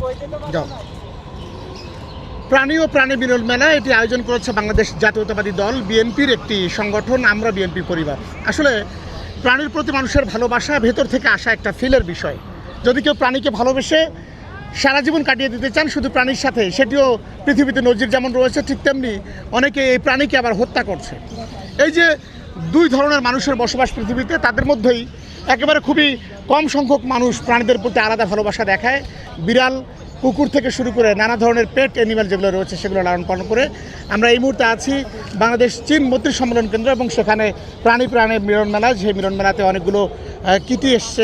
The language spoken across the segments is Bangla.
যাও। প্রাণী ও প্রাণী বিরল মেলা এটি আয়োজন করেছে বাংলাদেশ জাতীয়তাবাদী দল বিএনপির একটি সংগঠন আমরা বিএনপি পরিবার। আসলে প্রাণীর প্রতি মানুষের ভালোবাসা ভেতর থেকে আসা একটা ফিলের বিষয়। যদি কেউ প্রাণীকে ভালোবেসে সারা জীবন কাটিয়ে দিতে চান শুধু প্রাণীর সাথে, সেটিও পৃথিবীতে নজির যেমন রয়েছে, ঠিক তেমনি অনেকে এই প্রাণীকে আবার হত্যা করছে। এই যে দুই ধরনের মানুষের বসবাস পৃথিবীতে, তাদের মধ্যেই একেবারে খুবই কম সংখ্যক মানুষ প্রাণীদের প্রতি আলাদা ভালোবাসা দেখায়। বিড়াল, কুকুর থেকে শুরু করে নানা ধরনের পেট অ্যানিম্যাল যেগুলো রয়েছে সেগুলো লালন পালন করে। আমরা এই মুহূর্তে আছি বাংলাদেশ চীন মৈত্রী সম্মেলন কেন্দ্র এবং সেখানে প্রাণী মিলন মেলা। সেই মিলন মেলাতে অনেকগুলো কিটি এসছে।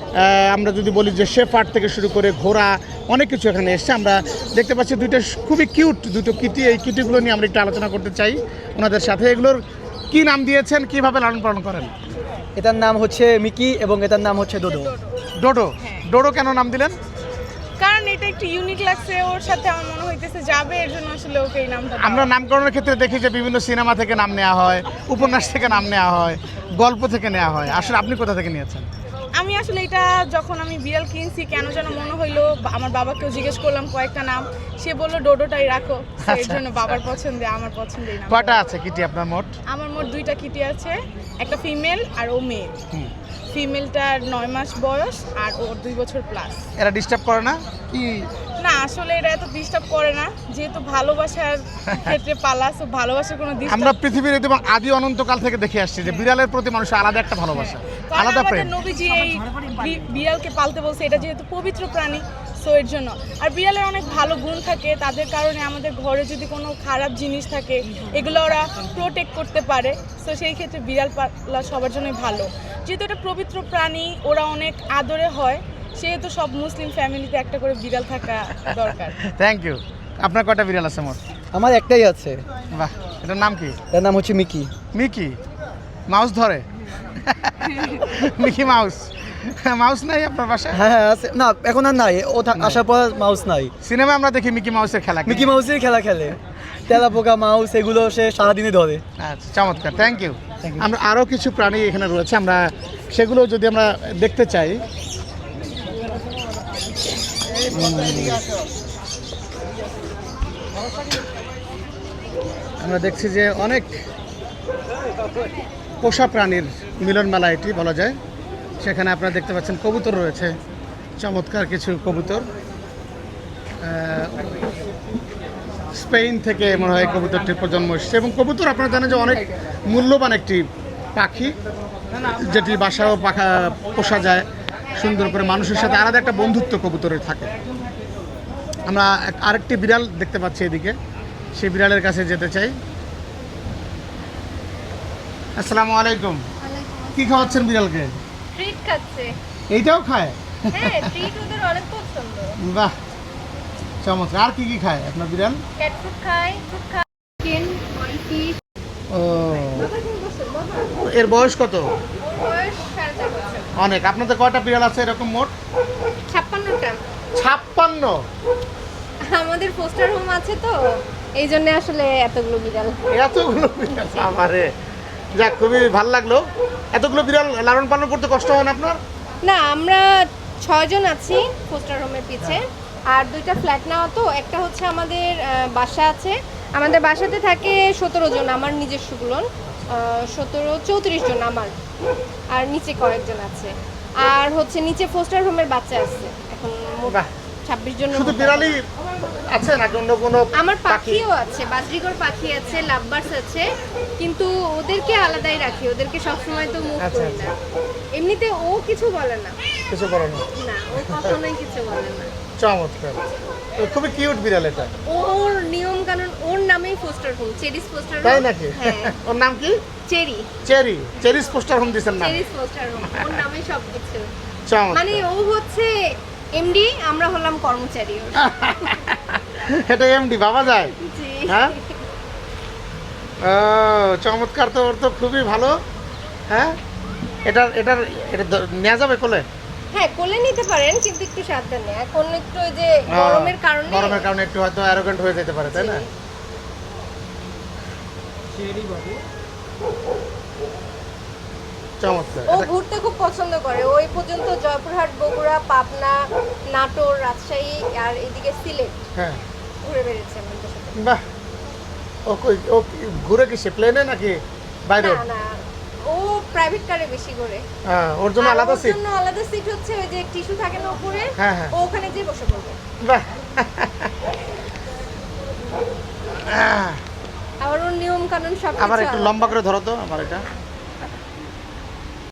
আমরা যদি বলি যে শেফার্ড থেকে শুরু করে ঘোড়া, অনেক কিছু এখানে এসছে। আমরা দেখতে পাচ্ছি দুইটা খুবই কিউট দুটো কিটি। এই কিটিগুলো নিয়ে আমরা একটু আলোচনা করতে চাই ওনাদের সাথে। এগুলোর কি নাম দিয়েছেন, কিভাবে লালন পালন করেন? এটার নাম হচ্ছে মিকি এবং এটার নাম হচ্ছে ডোডো। ডোডো। ডোডো কেন নাম দিলেন? কারণ এটা একটু ইউনিক লাগছে, ওর সাথে আমার মনে হইতেছে যাবে, এর জন্য আসলে ওকে এই নামটা। আমরা নামকরণের ক্ষেত্রে দেখি যে বিভিন্ন সিনেমা থেকে নাম নেওয়া হয়, উপন্যাস থেকে নাম নেওয়া হয়, গল্প থেকে নেওয়া হয়। আসলে আপনি কোথা থেকে নিয়েছেন? আমি আসলে এটা যখন আমি বিড়াল কিনছি কেন যেন মনে হইলো, আমার বাবাকেও জিজ্ঞেস করলাম কয়েকটা নাম, সে বললো ডোডোটাই রাখো। এর জন্য বাবার পছন্দে আমার পছন্দের নাম। কয়টা আছে কিটি আপনার মোট? আমার মোট 2টা কিটি আছে, একটা ফিমেল আর ও মেয়ে। ফিমেলটার 9 মাস বয়স আর ওর 2 বছর প্লাস। এরা ডিস্টার্ব করে না কি? না, আসলে এরা এত ডিস্টার্ব করে না, যেহেতু ভালোবাসার ক্ষেত্রে পালা, সো ভালোবাসার কোনো ডিস্টার্ব। আমরা পৃথিবীর একদম আদি অনন্তকাল থেকে দেখে আসছি যে বিড়ালের প্রতি মানুষের আলাদা একটা ভালোবাসা, আলাদা প্রেম। নবীজি এই বিড়ালকে পালতে বলছে, এটা যেহেতু পবিত্র প্রাণী, সো এর জন্য। আর বিড়ালের অনেক ভালো গুণ থাকে, তাদের কারণে আমাদের ঘরে যদি কোনো খারাপ জিনিস থাকে এগুলো ওরা প্রোটেক্ট করতে পারে। সো সেই ক্ষেত্রে বিড়াল পালা সবার জন্যই ভালো। যেহেতু এটা পবিত্র প্রাণী, ওরা অনেক আদরে হয়, সেহেতু সব মুসলিম ফ্যামিলিতে একটা করে বিড়াল থাকা দরকার। Thank you. আপনার কয়টা বিড়াল আছে মোট? আমার একটাই আছে। বাহ, এটার নাম কি? এটার নাম হচ্ছে মিকি। মিকি মাউস ধরে? Mickey Mouse. মাউস নাই আপনার বাসায়? হ্যাঁ হ্যাঁ আছে, না এখন আর নাই, ও আসার পর মাউস নাই। সিনেমা আমরা দেখি মিকি মাউসের খেলা। মিকি মাউসের খেলা খেলে, তেলাপোকা, মাউস এগুলো সে সারাদিনে ধরে। আচ্ছা, চমৎকার, থ্যাংক ইউ। আমরা আরও কিছু প্রাণী এখানে রয়েছে, আমরা সেগুলো যদি আমরা দেখতে চাই। আমরা দেখছি যে অনেক পোষা প্রাণীর মিলন মেলা এটি বলা যায়। সেখানে আপনারা দেখতে পাচ্ছেন কবুতর রয়েছে, চমৎকার কিছু কবুতর। স্পেন থেকে মনে হয় কবুতরটির প্রজন্ম এসেছে এবং কবুতর আপনারা জানেন যে অনেক মূল্যবান একটি পাখি, যেটি বাসাও পোষা যায় সুন্দর করে। মানুষের সাথে আলাদা একটা বন্ধুত্ব কবুতরের থাকে। আমরা আরেকটি বিড়াল দেখতে পাচ্ছি এদিকে, সেই বিড়ালের কাছে যেতে চাই। আসসালামু আলাইকুম। কি খাওয়াচ্ছেন বিড়ালকে? ট্রিট খাচ্ছে। এইটাও খায়? হ্যাঁ, ট্রিট ওদের অনেক পছন্দ। বাহ, চমৎকার। আর কি কি খায় আপনার বিড়াল? ক্যাট ফুড খায়, ফ্রুট খায়, চিকেন, ফিশ। ও, এর বয়স কত? বয়স 4.5 বছর। অনেক। আপনাদের কয়টা বিড়াল আছে এরকম মোট? 56টা। 56? আমাদের পোস্টার হোম আছে তো, এই জন্য আসলে এতগুলো বিড়াল। এতগুলো বিড়াল, আমারে যাক, খুবই ভালো লাগলো। এতগুলো বিড়াল লালন পালন করতে কষ্ট হয় না আপনার? না, আমরা 6 জন আছি পোস্টার হোমের পিছে, আর 2টা ফ্ল্যাট নেওয়া তো। একটা হচ্ছে আমাদের বাসা আছে, আমাদের বাসাতে থাকে 17 জন, আমার নিজস্বগুলো 34 জন আমার, আর নিচে কয়েকজন আছে। আর হচ্ছে নিচে পোস্টার হোমের বাচ্চা আছে, এখন মোট বাহ, 26 জন। শুধু বিড়ালই আছে নাকি অন্য কোনো? আমার পাখিও আছে, বাজরিগর পাখি আছে, লাভবার্ডস আছে, কিন্তু ওদেরকে আলাদাই রাখি, ওদেরকে সবসময় তো মুভ করি না। এমনিতে ও কিছু বলে না। কিছু বলো না? না, ও কখনোই কিছু বলে না। চমৎকার, খুবই কিউট বিড়াল এটা। ওর নিয়ম কানুন, ওর নামেই foster home, Cherry's foster home. তাই নাকি? হ্যাঁ। ওর নাম কি? Cherry. Cherry. Cherry's foster home দিয়েছেন না? চেরিস পোস্টার হোম, ওর নামেই সবকিছু। চমৎকার। মানে ও হচ্ছে এমডি, আমরা হলাম কর্মচারী ওর। এটা এমডি বাবা যায়? জি। হ্যাঁ, ও চমৎকার। তো ওর তো খুবই ভালো। হ্যাঁ, এটা নেওয়া যাবে কোলে? হ্যাঁ, কোলে নিতে পারেন, কিন্তু একটু সাবধানে। এখন একটু ওই যে গরমের কারণে একটু হয়তো অ্যারোগেন্ট হয়ে যেতে পারে, তাই না? চমৎকার। ও ঘুরতে খুব পছন্দ করে, ওই পর্যন্ত জয়পুরহাট, বগুড়া, পাবনা, নাটোর, রাজশাহী আর এদিকে সিলেট হ্যাঁ, ঘুরে বেড়েছে আমাদের সাথে। বাহ। ও ঘুরে কিসে, প্লেনে নাকি বাইরে? না না, ও প্রাইভেট কারে বেশি ঘুরে। ওর জন্য আর আলাদা ওর সিট? জন্য আলাদা সিট হচ্ছে ওই যে টিস্যু থাকে না উপরে, হ্যাঁ, হ্যাঁ। ও ওখানে যেয়ে বসে পড়বে। বাহ। আবার ওর নিয়ম কানুন সব আমার একটু লম্বা করে ধরো তো আমার এটা।